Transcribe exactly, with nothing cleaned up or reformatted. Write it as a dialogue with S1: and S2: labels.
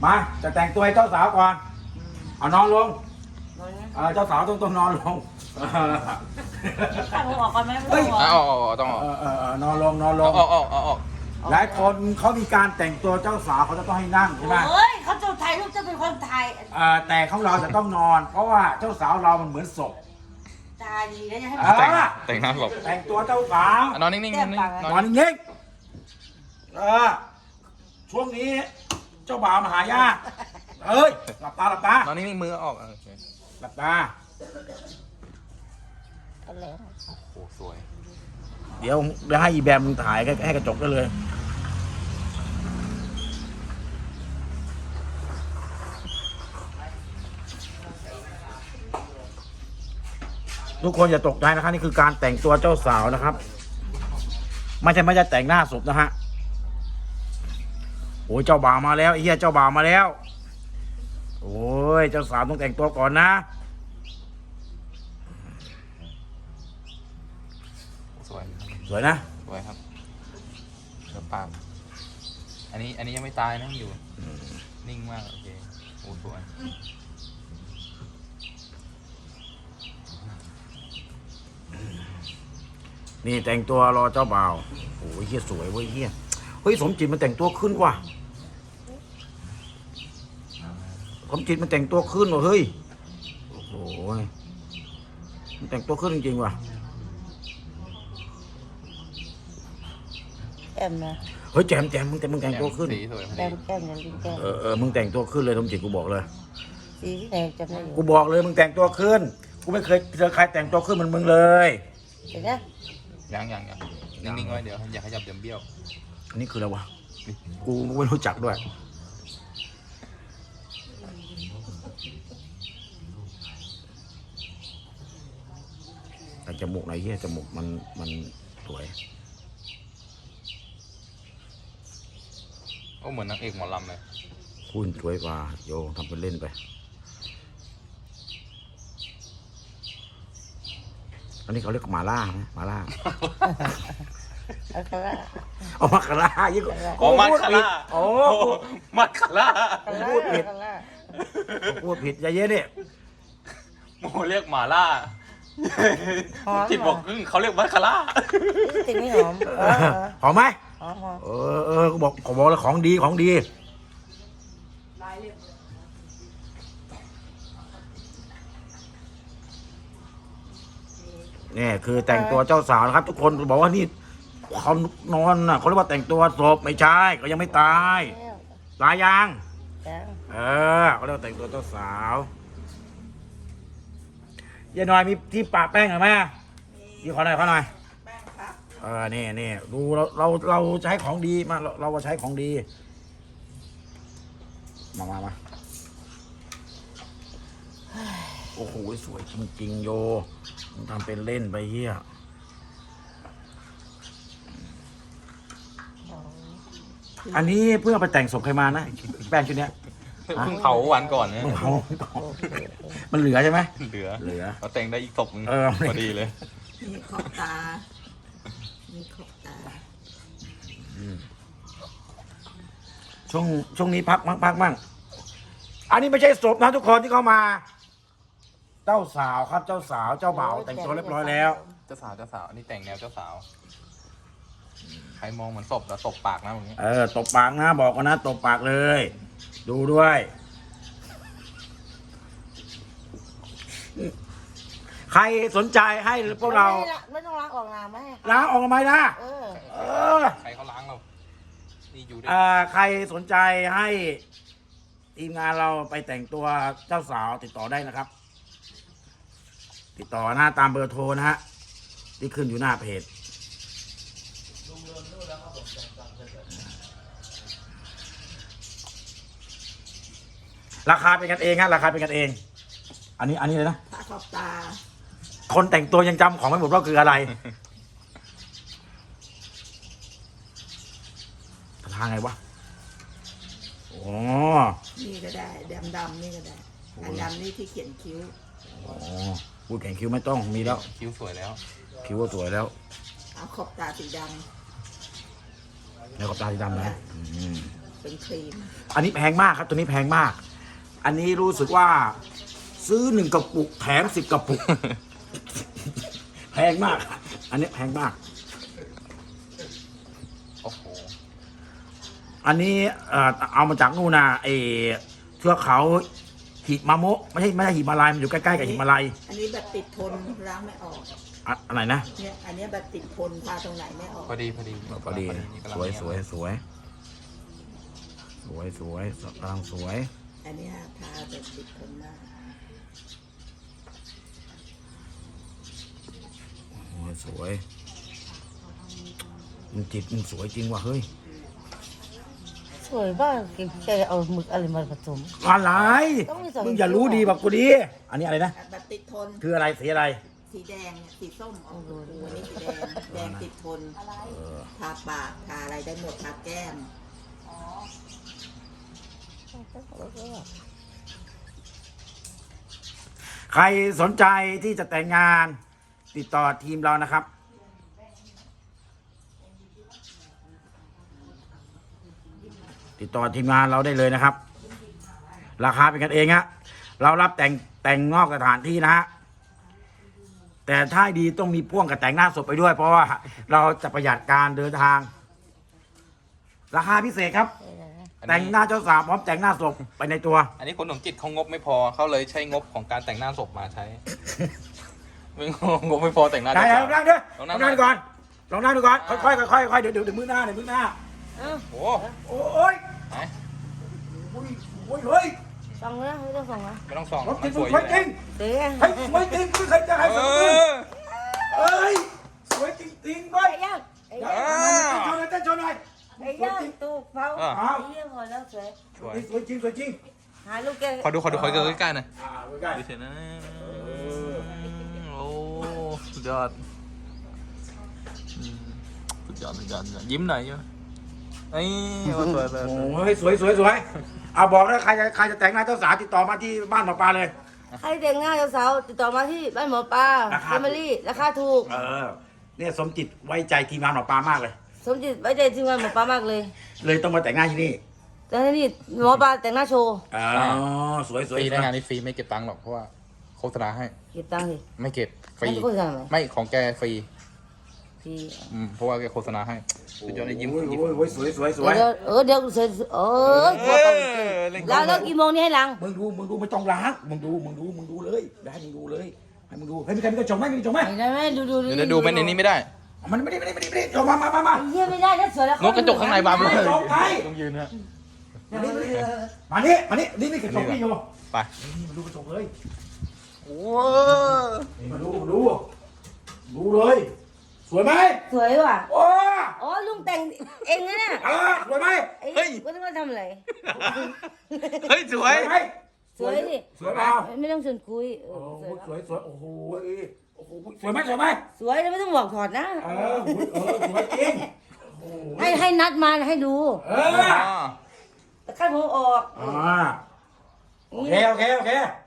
S1: มาจะแต่งตัวให้เจ้าสาวก่อนเอานอนลงเจ้าสาวต้องต้องนอนลง
S2: ต้องออกก่อนไหมไม่ต้องออก
S3: เอาออกต้องออก
S1: เออเออนอนลงนอนลง
S3: ออกออกออกออก
S1: หลายคนเขามีการแต่งตัวเจ้าสาวเขาจะต้องให้นั่งใช่ไหม
S2: เฮ้ยเขาจะถ่ายรูปจะเป็นคนถ่าย
S1: แต่ของเราจะต้องนอน เพราะว่าเจ้าสาวเรามันเหมือนศพ
S2: ตาดีแล้วจะให้
S3: แต่งแต่งหน้าหลบ
S1: แต่งตัวเจ้าสาว
S3: นอนนิ่งๆนอนนิ่งๆน
S1: น
S3: อ
S1: อน นนิ่งๆเออช่วงนี้เจ้าบ่าวมาหายากเอ้ยหลับตาหลับตาน
S3: อนนิ่งๆมือออกโอเค
S1: หลับตา
S3: โอ้สวย
S1: เดี๋ยวเดี๋ยวให้อีแบมมึงถ่ายให้กระจกได้เลย ทุกคนอย่าตกใจนะครับนี่คือการแต่งตัวเจ้าสาวนะครับไม่ใช่ไม่จะแต่งหน้าศพนะฮะโอ้ยเจ้าบ่าวมาแล้วไอ้เหี้ยเจ้าบ่าวมาแล้วโอ้ยเจ้าสาวต้องแต่งตัวก่อนนะ
S3: สวย
S1: สวยนะ
S3: สวยครับเดี๋ยวปากอันนี้อันนี้ยังไม่ตายนะอยู่นิ่งมากโอเคโอ้สวย
S1: นี่แต่งตัวรอเจ้าบ่าวโอ้ยเหี้ยสวยเว้ยเหี้ยเฮ้ยสมจิตมันแต่งตัวขึ้นว่ะสมจิตมันแต่งตัวขึ้นว่ะเฮ้ยโอ้ยมันแต่งตัวขึ้นจริงๆว่ะ
S2: แก้มนะ
S1: เฮ้ยแจมแจมมึงแต่มึงแต่งตัวขึ้น
S3: สีสวยพอ
S2: แก้
S3: ดี
S2: มแก้มอย่างลิ้นแก้ม
S1: เออเออมึงแต่งตัวขึ้นเลยสมจิตกูบอกเลย
S2: สีที่ไหนจำได้อยู่
S1: กูบอกเลยมึงแต่งตัวขึ้นกูไม่เคยเจอใครแต่งตัวขึ้นเหมือนมึงเลย
S2: เห็นไหม
S3: ยังยังยังนิ่งๆไว้เดี๋ยวอย่าขยับเดี๋ยวเบี้ยว
S1: อันนี้คืออะไรวะกูไม่รู้จักด้วยแต่จมูกไหนเหี้ยจมูกมันมันสวย
S3: โอ้เหมือนนางเอกหมอลำเลย
S1: คุณสวยกว่าโยทำเป็นเล่นไปอันนี้เขาเรียกหมาล่าไหมหมาล่า
S2: แล้วก็ว่า
S1: เอามาคาร่ายิ่งกว่า
S3: โอ้มัดคาร่า
S1: โอ้
S3: มัดคาร่า
S1: พูดผิดพูดผิดอย่าเย็นดิ
S3: โมเรียกหมาล่าจิตบอกครึ่งเขาเรียกมัดคาร่า
S2: สิ่งนี้หอมเออ
S1: หอมไหม
S2: หอมหอม
S1: เออเออกูบอกขอบอกเลยของดีของดีนี่คือแต่งตัวเจ้าสาวนะครับ ทุกคนบอกว่านี่เขานอนน่ะเขาเรียกว่าแต่งตัวศพไม่ใช่เขายังไม่ตายตายยัง
S2: จ้า
S1: เออเขาเรียกว่าแต่งตัวเจ้าสาวยายน้อยมีที่ปะแป้งหรือไหมยี่ขอหน่อยขอหน่อยเออนี่นี่ดูเราเราเราใช้ของดีมาเราเราใช้ของดีมามามาโอ้โหสวยจริงๆโยมึงทำเป็นเล่นไปเฮียอันนี้เพื่อไปแต่งศพใครมานะแป้งชุดเนี้ย
S3: เพิ่งเผาวันก่อนนะ
S1: มันเอามันเหลือใช่ไหม
S3: เหลือ
S1: เหลือ
S3: เราแต่งได้อีกศพนึง
S1: เออ
S3: พอดีเลย
S2: มีขอบตา มีขอบตา
S1: ช่วงช่วงนี้พักมั่งพักมั่งอันนี้ไม่ใช่ศพนะทุกคนที่เข้ามา เจ้าสาวครับเจ้าสาวเจ้าบ่าวแต่งตัวเรียบร้อยแล้ว
S3: เจ้าสาวเจ้าสาวอันนี้แต่งแนวเจ้าสาวใครมองเหมือนศพแล้วตบปากนะอย่างนี้
S1: เออตบปากนะบอกกันนะตบปากเลย ดูด้วย ใครสนใจให้พวกเรา
S2: ไม่ต้องล้างออกน้ำไหม
S1: ล้างออกมาไหมนะ
S2: เออ
S1: เออ
S3: ใครเขาล้างเรานี่อยู่ได้
S1: เอ่อใครสนใจให้ทีมงานเราไปแต่งตัวเจ้าสาวติดต่อได้นะครับ ติดต่อนะตามเบอร์โทรนะฮะที่ขึ้นอยู่หน้าเพจราคาเป็นกันเองฮะราคาเป็นกันเอง อันนี้อันนี้เลยนะ
S2: ตาขอบตา
S1: คนแต่งตัวยังจำของไม่หมดว่าคืออะไรทางไงวะอ๋อ
S4: นี่ก็ได้ดำดำๆนี่ก็ได้อันดำนี่ที่เขียนคิ้ว
S1: อ๋อพูดแข่งคิ้วไม่ต้องมีแล้ว
S3: คิ้วสวยแล้ว
S1: คิ้วก็สวยแล้ว
S4: เอาขอบตาสีด
S1: แล้วก็ตาสีดำนะอืม
S4: ำเป็นครีม
S1: อันนี้แพงมากครับตัวนี้แพงมาก อันนี้รู้สึกว่า ซื้อหนึ่งกระปุกแถมสิบกระปุก แพงมาก อันนี้แพงมาก
S3: โอ้โห
S1: อันนี้เอ่อเอามาจากนู่นนะไอเทือกเขาหิมาโมะไม่ใช่ไม่ใช่หิมาลัยมันอยู่ใกล้ๆกับหิมาลัย
S4: อันนี้แบบติดทนล้างไม่ออก
S1: อะอะไรนะ
S4: เนี่ยอันนี้แบบติดทนทาตรงไหนไม่ออก
S3: พอดีพอดี
S1: พอดี
S3: นี่กำลั
S1: ส
S3: ง
S1: วย
S3: เนี่
S1: สวยสวยสวยสวยกำลังสวย
S4: อันเนี้ยทาแบบติดทนมาก
S1: โอ้ยสวยมันจิตมันสวยจริงว่ะเฮ้ย
S2: สวยบ้างแกเอาหมึกอะไรมาผสม
S1: อะไร
S2: ต้องมีสอง
S1: มึงอย่ารู้ดีแบบกูดีอันนี้อะไรนะ
S4: แบบติดทน
S1: คืออะไรสีอะไร
S4: สีแดงเนี่ยสีส้มออกดูอันนี้สีแดง แดงติดทน ทาปาก ทาอะไรได้หมด ทาแก้ม
S1: ใครสนใจที่จะแต่งงานติดต่อทีมเรานะครับ ติดต่อทีมงานเราได้เลยนะครับ ราคาเป็นกันเองฮะเรารับแต่งแต่งนอกสถานที่นะฮะแต่ถ้าดีต้องมีพ่วงกับแต่งหน้าศพไปด้วย เพราะว่าเราจะประหยัดการเดินทาง ราคาพิเศษครับ
S3: อัน
S1: แต่ง
S3: นี้
S1: หน้าเจ้าสาวพร้อมแต่งหน้าศพไปในตัว
S3: อันนี้คนหนุ่มจิตเขางบไม่พอเขาเลยใช้งบของการแต่งหน้าศพมาใช้ ไม่งบไม่พอแต่งหน้า
S1: ได้
S3: เจ้า
S1: ล
S3: สา
S1: อง
S3: ว
S1: นั่งด้วย
S3: ลอง
S1: ล
S3: นั่
S1: อง งนั่งดูก่อนลองนั่งดูก่อน
S3: อ่า
S1: ค่อยๆค่อยๆค่อยๆเดี๋ยวเดี๋ยวเดี๋ยวมือหน้าเดี๋ยวมือหน้า
S3: โอ้โห
S1: โอ้ย
S3: ไหน
S1: โอ้ยโอ้ยเฮ้ย
S2: ส่องนะไม่ต้องส่องนะ
S3: ไม่ต้องส่อง
S1: รถจริง
S3: สวย
S1: สวยจริง
S2: เดี๋ยว
S1: เฮ้ยสวยจริงไม่เคยจะให้
S3: เอ
S1: สักคน
S3: อ
S1: เอ้ยสวยจริงๆเว้ย
S2: ไอ้ย่างไอ้
S1: เต้
S2: ย่าง
S1: นโชว์หน่อยเต้นโชว์หน่อย
S2: ไอ้ย่างตูกเผาไอ้เยี่ยมพอแล้วสวย
S3: สวย
S1: สวยจริงสวยจริง
S2: หาลูกแก
S3: ขอดูขอดูขอดูใกล้ๆหน่อย
S1: อ่าใกล้
S3: ดูเฉยนะโอ้สุดยอดอืมสุดยอดสุดยอดสุดยอดยิ้มหน่อยยิ้มไอ้ยสวยสวย
S1: ๆ
S3: สวย
S1: โอ้ยสวยสวยสวยเอาบอกแล้วใครจะใครจะแต่งหน้าเจ้าสาวติดต่อมาที่บ้านหมอปลาเลย
S2: ใครแต่งหน้าเจ้าสาวติดต่อมาที่บ้านหมอปลา
S1: ราคา
S2: แฟมิลี่ราคาถูก
S1: เออเนี่ยสมจิตไว้ใจทีมงานหมอปลามากเลย
S2: สมจิตไว้ใจทีมงานหมอปลามากเลย
S1: เลยต้องมาแต่งหน้าที่นี่
S2: แต่นี่หมอปลาแต่งหน้าโชว์
S1: อ๋อสวยส
S3: ฟ
S1: วย
S3: รี
S1: ส
S3: นะ
S1: วย
S3: งานนี้ฟรีไม่เก็บตังค์หรอกเพราะว่าโฆษณาให้
S2: เก็บตังค์สิ
S3: ไม่เก็บฟรี
S2: ไม่โฆษณาไหม
S3: ไม่ของแกฟรี
S2: พี่
S3: อืมเพราะว่าแกโฆษณาให้สุดยอดเลยยิ้ม
S1: โอ้ย
S3: ยิ้ม
S1: โอ้ยโอ้ยสวยสวยสวย
S2: เดี๋ยวเออเดี๋ยวเสร็จเออหัวเก่าจริง
S3: เล่น
S2: แล้วแล้วกี่โมงนี่ให้หลัง
S1: มึงดูมึงดูไม่ต้องล้างมึงดูมึงดูมึงดูเลยได้มึงดูเลยให้มึงดูให้มีใครมีกระจกไหมมีกระจกไหม
S2: ได้ไหมดูดู
S3: เดี๋ยวดูมันในนี้ไม่ได้
S1: มันไม่ได้ไม่ได้ไม่ได้ไม่ได้จกมามามามา
S2: เยี่ยไม่ได้ถ้าสวยแล้ว
S3: นกกระจกข้างในบานเลย
S1: จกไง
S3: ต้องยืนฮะ
S1: มานี่มานี่มานี่นี่นี่กระจกนี่อยู่
S3: ไป
S1: นี่มาดูกระจกเลย
S3: โอ้
S1: นี่มาดูมาดูดูเลย สวยไหม
S2: สวยว่ะ
S1: โอ้
S2: อ๋อลุงแต่งเองนะเนี่ย
S1: เออสวยไหม
S2: ไอ้ก็ต้องมาทำอะไร
S3: เฮ้ยส
S1: ส
S3: ว
S1: วย ยไหม
S2: สวยดิ
S1: สวยเปล่า
S2: ไม่ต้องชวนคุยเอ
S1: โอ้
S2: อ
S1: โห
S2: สวย
S1: สวยสวยโอ้โหโอ้โหสวยไหมสวยไหม
S2: สวยแล้วไม่ต้องบอกถอดนะ
S1: เออเออสวยจริงโอ้โห
S2: ให้ให้นัดมาให้ดู
S1: เอ
S3: อ๋
S1: อ
S3: อ
S2: แต่ขั้นผมออก
S1: อ่าโอเคโอเคโอเค